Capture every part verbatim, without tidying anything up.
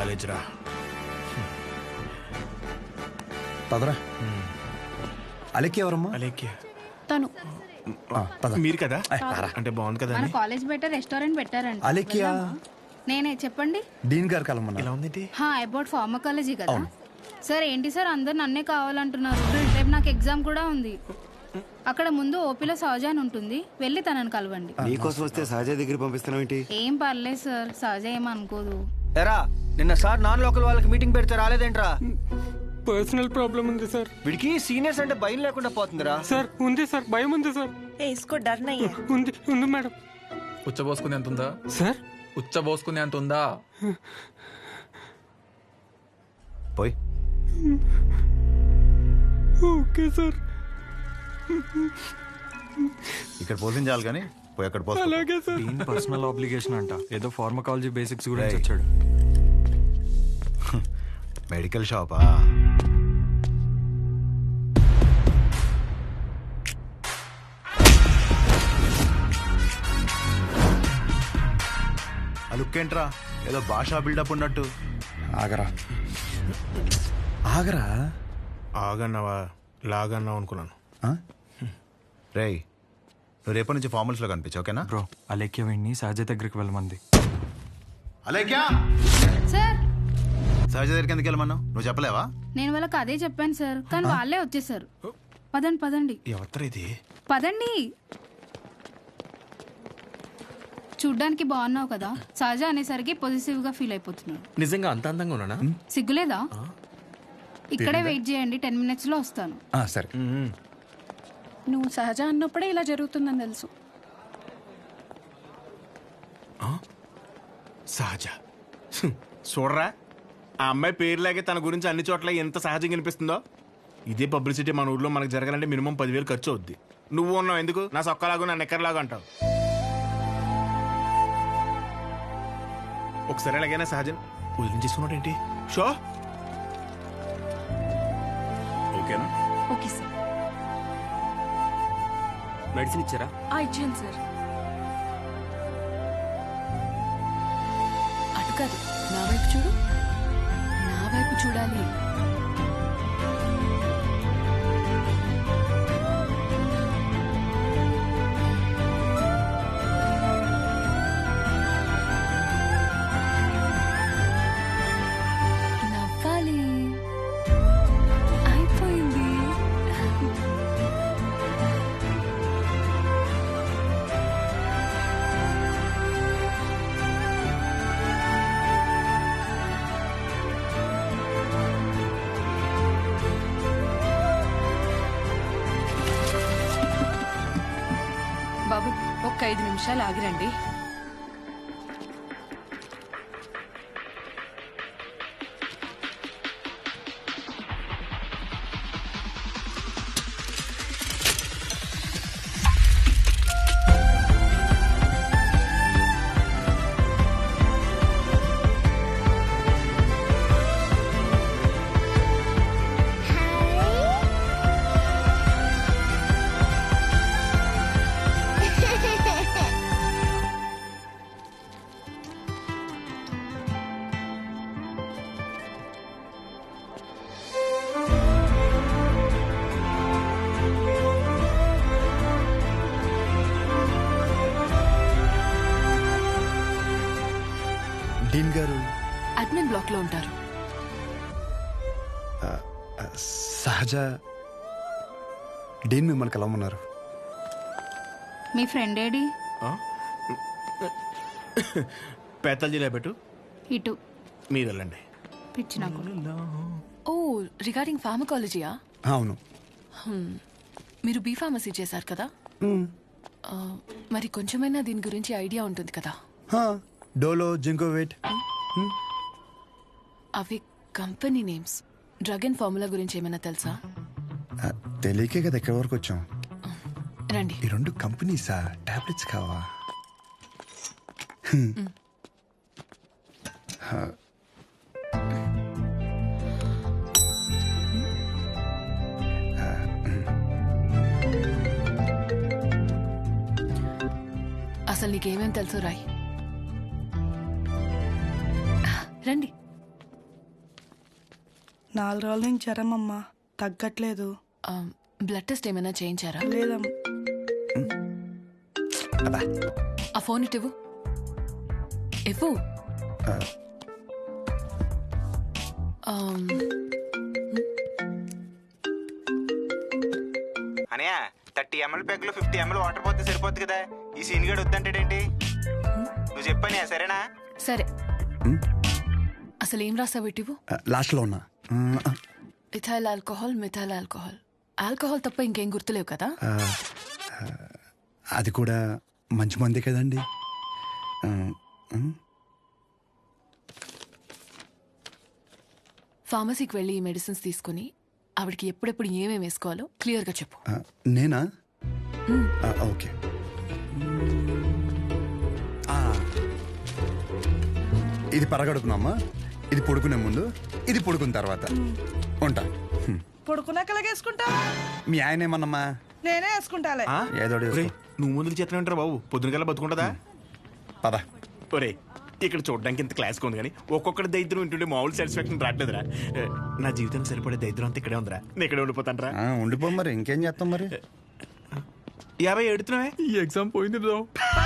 College రా. పదరా. అలెక్కి ఎవరమ్మా? అలేఖ్య తను మీరు కదా? అంటే బాగుంది కదా మన కాలేజ్ బయట రెస్టారెంట్ పెట్టారంట. అలెక్కియా? నేనే చెప్పండి. డీన్ గారు కలమన్నా. ఎలా ఉందేంటి? హా అబౌట్ ఫార్మకాలజీ కదా సార్. ఏంటి సార్ అందరు నన్నే కావాలంటున్నారు. రేపు నాకు ఎగ్జామ్ కూడా ఉంది. అక్కడ ముందు ఓపీలో సహజ అని ఉంటుంది, వెళ్ళి తనని కలవండి. నీకోసం వస్తే సహజ దగ్గర పంపిస్తున్నావు ఏంటి? ఏం పర్లేదు సార్, సహజ ఏమనుకోదు. ఎరా నిన్న సార్ నాన్ లోకల్ వాళ్ళకి మీటింగ్ పెడితే రాలేదేంట్రా? పర్సనల్ ప్రాబ్లం ఉంది సార్. వీడికి సీనియర్స్ అంటే భయం లేకుండా పోతుందిరా. సార్ ఉంది సార్, భయం ఉంది సార్. ఏ ఇస్కో డర్ నహీ హై. ఉంది ఉంది మేడం. ఉచ్చబోసుకునే అంత ఉందా సార్? ఉచ్చబోసుకునే అంత ఉందా? పోయి. Okay sir. ఇక్కడ పోషించాలి కానీ పోయి అక్కడ పోస్తా. అలాగే సార్. దీని పర్సనల్ ఆబ్లిగేషన్ అంట. ఏదో ఫార్మకాలజీ బేసిక్స్ గురించి వచ్చాడు. మెడికల్ షాపా? ఆ లుక్ ఏంట్రా, ఏదో భాషా బిల్డప్ ఉన్నట్టు. ఆగరా ఆగరా. ఆగన్నావా లాగన్నావు అనుకున్నాను. రేయ్ నువ్వు రేపటి నుంచి ఫార్మల్స్ లో కనిపించు, ఓకేనా? బ్రో అలేఖ్య వీడిని సహజ దగ్గరికి వెళ్ళమంది. అలేఖ్యా సార్ సహజ దగ్గరికి ఎందుకు వెళ్ళమన్నావు? నువ్వు చెప్పలేవా? నేను వాళ్ళకి అదే చెప్పాను సార్, కానీ వాళ్ళే వచ్చేసారు. పదండి పదండి ఎవరు ఇది? పదండి. చూడ్డానికి బాగున్నావు కదా, సహజ అనేసరికి పొజిటివ్ గా ఫీల్ అయిపోతున్నాడు. నిజంగా అంత అందంగా ఉన్నానా? సిగ్గులేదా? ఇక్కడే వెయిట్ చేయండి, టెన్ మినిట్స్ లో వస్తాను. సరే. నువ్వు సహజ అన్నప్పుడే ఇలా జరుగుతుందని తెలుసు. సహజ హ్మ్. చూడరా ఆ అమ్మాయి పేరులాగే తన గురించి అన్ని చోట్ల ఎంత సహజంగా అనిపిస్తుందో. ఇదే పబ్లిసిటీ మన ఊర్లో మనకు జరగాలంటే మినిమం పదివేలు ఖర్చు అవుద్ది. నువ్వు ఉన్నావు ఎందుకు నా సొక్కలాగా నా నెక్కర్లాగా అంటావు. ఒకసారి ఎలాగైనా సహజం వదిలించేసుకున్నాడు ఏంటి? షో ఓకేనా? Okay sir. మెడిసిన్ ఇచ్చారా? ఆ ఇచ్చాను సార్. అటు కాదు, నా వైపు చూడు. నా వైపు చూడాలి. నవ్వాలి. అయిపోయింది. బాబు ఒక్క ఐదు నిమిషాలు ఆగిరండి. డీన్ గారు అడ్మిన్ బ్లాక్ లో ఉంటారు. సహజ డీన్ మిమ్మల్ని కలవమన్నారు. మీ ఫ్రెండ్ ఏడి? పేతల జిల్లా పెట్టు, ఇటు మీరు వెళ్ళండి. పిచ్చి నాకు. ఓ రిగార్డింగ్ ఫార్మకాలజీయా? అవును. మీరు బీ ఫార్మసీ చేశారు కదా, ఆ, మరి కొంచెమైనా దీని గురించి ఐడియా ఉంటుంది కదా. డోలో, జింకోవేట్. అవి company names. Drug and formula గురించి ఏమైనా తెలుసా? తెలియకే కదా ఎక్కడి వరకు వచ్చాం. రండి. ఈ రెండు కంపెనీసా? టాబ్లెట్స్ కావా? అసలు నీకేమేం తెలుసు రాయ్. రండి. నాలుగు రోజుల నుంచి జ్వరం అమ్మా, తగ్గట్లేదు. ఆ, బ్లడ్ టెస్ట్ ఏమైనా చేయించారా? లేదమ్మా. అబ్బా ఆ ఫోన్ ఇటు ఇవ్వు. ఇవ్వు. ఆమ్, అనయ్య థర్టీ ఎంఎల్ ప్యాక్ లో ఫిఫ్టీ ఎంఎల్ వాటర్ పోతే సరిపోద్ది కదా, ఈ సీన్ గడు వద్దంటాడేంటి? నువ్వు చెప్పానే సరేనా? సరే. అసలు ఏం రాసావు ఇటు ఇవ్వు. లాస్ట్లో ఉన్నా. Ethyl alcohol, methyl alcohol. Alcohol తప్ప ఇంకేం గుర్తులేవు కదా? ఆ, అది కూడా మంచి మంది కదండి. ఆ, ఆ. ఫార్మసీకి వెళ్ళి ఈ మెడిసిన్స్ తీసుకుని ఆవిడకి ఎప్పుడెప్పుడు ఏమేమి వేసుకోవాలో క్లియర్గా చెప్పు. ఆ, నేనా? ఆ, ఓకే. ఆ, ఇది పరగడుపునమ్మా, ఇది పడుకునే ముందు, ఇది పడుకున్న తర్వాత. ఉంటా. హ్మ్. పడుకున్నాక వేసుకుంటా. మీ ఆయన ఏమన్నమ్మా? నేనే వేసుకుంటాలే. ఏదో ఒకటి ఒరేయ్, వేసుకో. నువ్వు ముందు చేతనే ఉంటారా బాబు? పొద్దున కల్లా బతుకుంటుందా? పద. ఒరే ఇక్కడ చూడడానికి ఇంత క్లాస్గా ఉంది కానీ ఒక్కొక్కటి దరిద్రం వింటుంటే మామూలు సాటిస్ఫాక్షన్ రావట్లేదురా. నా జీవితానికి సరిపడే దరిద్రం అంతా ఇక్కడే ఉందిరా. నేను ఇక్కడే ఉండిపోతాను రా. ఆ, ఉండిపో మరి, ఇంకేం చేస్తాం మరి. యాభై ఎడుతున్నావే. ఈ ఎగ్జామ్ పోయింది బ్రో.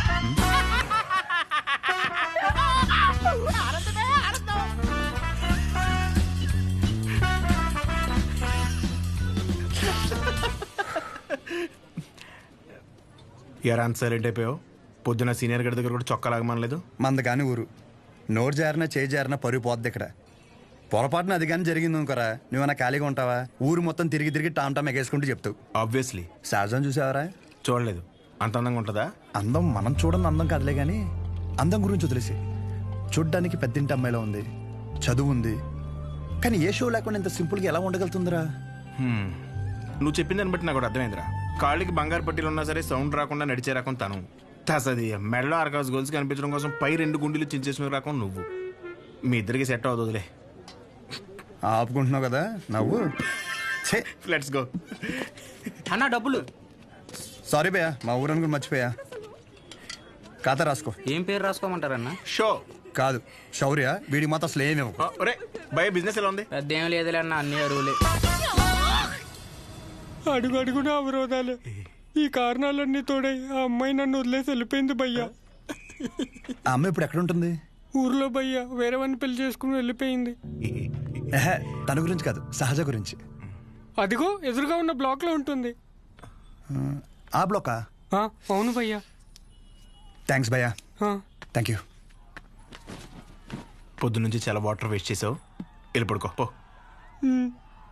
ఎరా అంత సైలెంట్ అయిపోయావు? పొద్దున సీనియర్ గడి దగ్గర కూడా చొక్కా లాగమనలేదు. మంద కాని ఊరు, నోరు జారినా చేయి జారినా పరుగు పోద్ది ఇక్కడ. పొరపాటున అది కానీ జరిగింది అనుకోరా, నువ్వన్నా ఖాళీగా ఉంటావా? ఊరు మొత్తం తిరిగి తిరిగి టామ్ టామ్ ఎగేసుకుంటూ చెప్తావు. ఆబ్వియస్లీ. సహజం చూసావరా? చూడలేదు. అంత అందంగా ఉంటుందా? అందం మనం చూడని అందం కాదులే కానీ, అందం గురించి వదిలేసి, చూడ్డానికి పెద్దింటి అమ్మాయిలో ఉంది, చదువు ఉంది, కానీ ఏ షో లేకుండా ఇంత సింపుల్గా ఎలా ఉండగలుగుతుందిరా? హ్మ్. నువ్వు చెప్పిన దాన్ని బట్టి నాకు ఒకటి అర్థమైందిరా. కాళ్ళకి బంగారు పట్టీలు ఉన్నా సరే సౌండ్ రాకుండా నడిచే రకం తను. తసది మెడలో ఆర్కాస్ గోల్స్ కనిపించడం కోసం పై రెండు గుండెలు చించేసిన రకం నువ్వు. మీ ఇద్దరికి సెట్ అవుతుందిలే. ఆపుకుంటున్నావు కదా నవ్వు. Let's go. అన్న డబ్బులు. సారీ భయ్యా, మా ఊరని కూడా మర్చిపోయా. ఖాతా రాసుకో. ఏం పేరు రాసుకోమంటారన్న? షో కాదు శౌర్య, వీడికి మాత్రం అసలు ఏమేమో. ఒరే భయ బిజినెస్ ఎలా ఉంది? పెద్ద ఏం లేదులే అన్న, అన్ని అరువులే. అడుగు అడుగున అవరోధాలే. ఈ కారణాలన్నీ తోడై ఆ అమ్మాయి నన్ను వదిలేసి వెళ్ళిపోయింది భయ్యా. ఆ అమ్మాయి ఇప్పుడు ఎక్కడ ఉంటుంది? ఊర్లో భయ్యా వేరే వాడిని పెళ్లి చేసుకుని వెళ్ళిపోయింది. ఏహే, తన గురించి కాదు, సహజ గురించి. అదిగో ఎదురుగా ఉన్న బ్లాక్ లో ఉంటుంది. ఆ బ్లాకా? ఆ, అవును భయ్యా. థ్యాంక్స్ భయ్యా. ఆ. Thank you. పొద్దు నుంచి చాలా వాటర్ వేస్ట్ చేసావు, వెళ్ళి పడుకో పో. ఉమ్.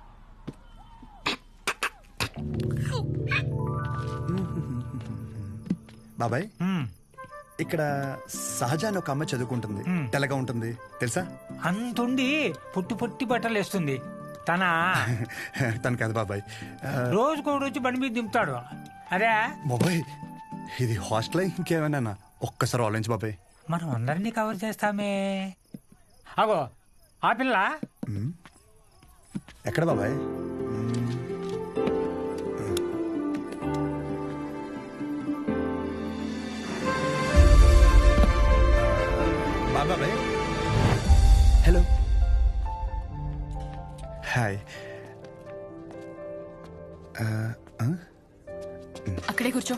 బాబాయ్, ఇక్కడ సహజ అని ఒక అమ్మాయి చదువుకుంటుంది, తెల్లగా ఉంటుంది తెలుసా? అంతుండి పుట్టి పుట్టి బట్టలు వేస్తుంది. తన తను కాదు బాబాయ్. రోజుకో రోజు బండి మీద దింపుతాడు. అదే బాబాయ్, ఇది హాస్టల్ ఇంకేమైనా? ఒక్కసారి ఆలోచించు బాబాయ్. మనం అందరినీ కవర్ చేస్తామే. అగో ఆ పిల్ల ఎక్కడ బాబాయ్? బాబాయ్ హలో. హాయ్. అక్కడే కూర్చో.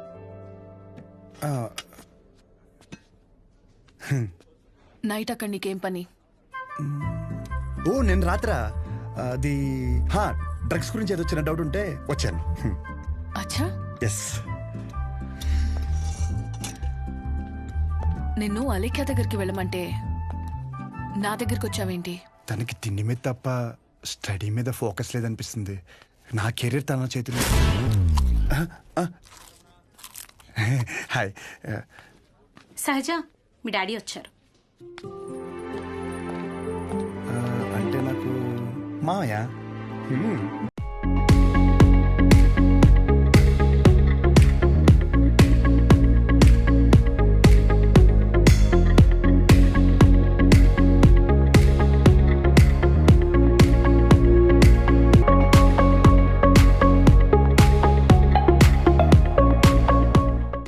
నైట్ అక్కడ నీకేం పని? ఓ నేను రాత్రా అది హా డ్రగ్స్ గురించి ఏదో చిన్న డౌట్ ఉంటే వచ్చాను. అచ్చా. ఎస్. నిన్ను అలేఖ్య దగ్గరికి వెళ్ళమంటే నా దగ్గరికి వచ్చావేంటి? తనకి తిండి మీద తప్ప స్టడీ మీద ఫోకస్ లేదనిపిస్తుంది. నా కెరీర్ తన చేతిలో. హాయ్. సహజ, మీ డాడీ వచ్చారు. అంటే నాకు మామయ్య.